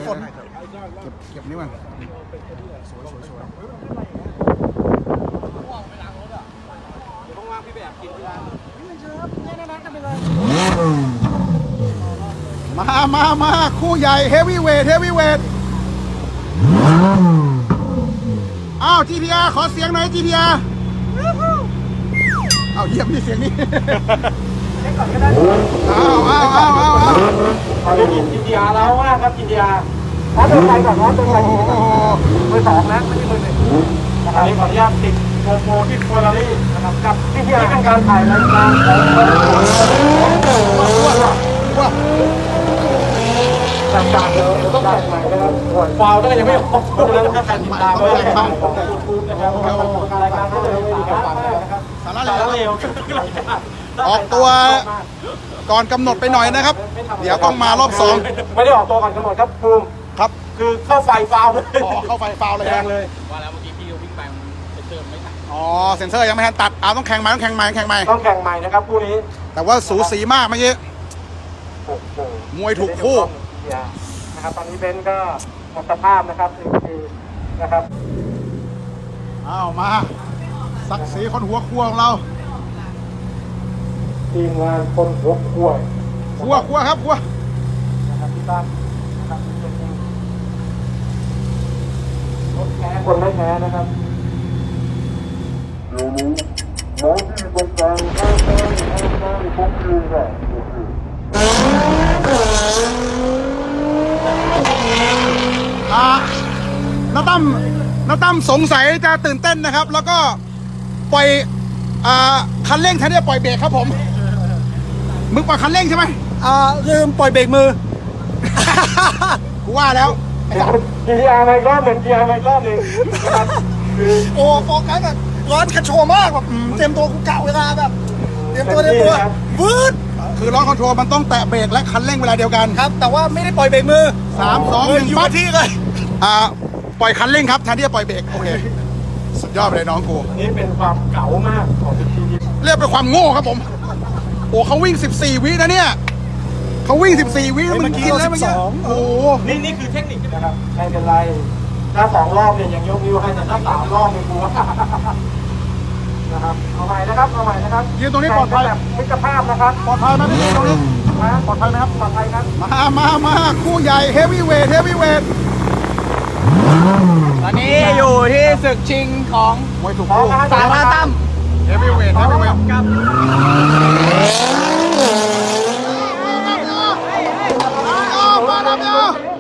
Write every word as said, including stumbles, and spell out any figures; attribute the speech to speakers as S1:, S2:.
S1: ฝนเก็บเก็บนี่มันสวยสวยสวยมามามาคู่ใหญ่เฮฟวี่เวทเฮฟวี่เวทอ้าว จี ที อาร์ ขอเสียงหน่อย จี ที อาร์ อ้าวเยี่ยมนี่เสียงนี้อ้าวอ้าวอ้าวอ้าวอ้าว
S2: ขอได้ยิน จี ที อาร์ แล้วมากครับ จี ที อาร์ ขอเดินไปก่อนนะเดินไปก่อนมือสองนะไม่ใช่มือหนึ่งนะครับขออนุญาตติดโปรโมที่โคลารี่นะครับกับที่ที่เป็นการถ่ายรายการของต่างๆเลยต้องแต่งใหม่นะครับฟาวก็ยังไม่ออกเลยนะครับแต่ติดตามด้วยนะครับนะครับรายการก็เลยมีสาระมากนะครับ
S1: สาระเลวออกตัวก่อนกำหนดไปหน่อยนะครับเดี๋ยวต้องมารอบสอง
S2: ไม่ได้ออกตัวก่อนกำหนดครับภูมิ
S1: ครับ
S2: คือเข้าไฟฟาวเลย
S1: อ๋อเข้าไฟฟาวเลย
S2: แรงเลย
S3: ว่าแล้วเมื่อกี้พี่วิ่งไปมันเซนเซอร์ไม่ทัน
S1: อ๋อเซ็นเซอร์ยังไม่ทันตัดอ้าวต้องแข่งใหม่ต้องแข่งใหม่แข่งใหม่
S2: ต้องแข่งใหม่นะครับคู่นี้
S1: แต่ว่าสูสีมากเมื่อกี้มวยถูกคู่
S2: นะครับตอนนี้เบนก็หมดสภาพนะครับหนึ่งทีนะครับ
S1: อ้าวมาศักดิ์ศรีคนหัวครัวของเรา
S2: ทีมงานคนหัวครัว
S1: ครัวครัวครับครัว
S2: นะครับพี่ตั้มนะครับคนแพ้คนไม่แพ้นะครับเดี๋ยวนี้หมอที่ตรงกลางข้างข้างข้างข้างผมยืนอ่ะ
S1: อ่าน้าตั้มน้าตั้มสงสัยจะตื่นเต้นนะครับแล้วก็ปล่อยอ่าคันเร่งแทนที่จะปล่อยเบรกครับผมมึงปล่อยคันเร่งใช่ไหม
S4: อ่าลืมปล่อยเบรกมือ
S1: กูว่าแล้ว
S2: จี ที อาร์ ในรอบหนึ่ง จี ที อาร์ ในรอบหนึ่งนะครับ
S4: โอ้โฟกัสแบบร้อนกระโชมากแบบเตรียมตัวกูกะเวลาแบบเตรียมตัวเตรียมตัววืด
S1: คือล้อคอนโทรลมันต้องแตะเบรกและคันเร่งเวลาเดียวกัน
S4: ครับแต่ว่าไม่ได้ปล่อยเบรกมือ
S1: สามสองหนึ่ง
S4: อยู่ที่เลย
S1: อ่าปล่อยคันเร่งครับแทนที่จะปล่อยเบรกโอเคสุดยอดไปเลยน้องกู
S2: นี่เป็นความเก๋ามากของทีม
S1: เรียกเป็นความโง่ครับผมโอ้เขาวิ่งสิบสี่วินะเนี่ยเขาวิ่งสิบสี่วิแล้วมันกินแล้วมันโอ้
S2: นี่นี่คือเทคนิคนะครับไม่เป็นไรถ้าสองรอบเนี่ยยังยกนิ้วให้แต่ถ้าสามรอบเนี่ยกูว่านะครับเอาใหม่นะครับเอาใหม่นะครับ
S1: ยืนตรงนี้ปลอดภัย
S2: แบบมิตรภาพนะครับ
S1: ปลอดภัยไหมพี่ตรงนี้ปลอดภัยไหมครับ
S2: ปลอดภัยครับ
S1: มามามาคู่ใหญ่เฮฟวี่เวทเฮฟวี่เวท
S4: ตอนนี้อยู่ที่ศึกชิงของ
S1: มวยถูกคู่
S4: สาราตั้ม
S1: เฮฟวี่เวทเฮฟวี่เวทครับมาดับเนาะ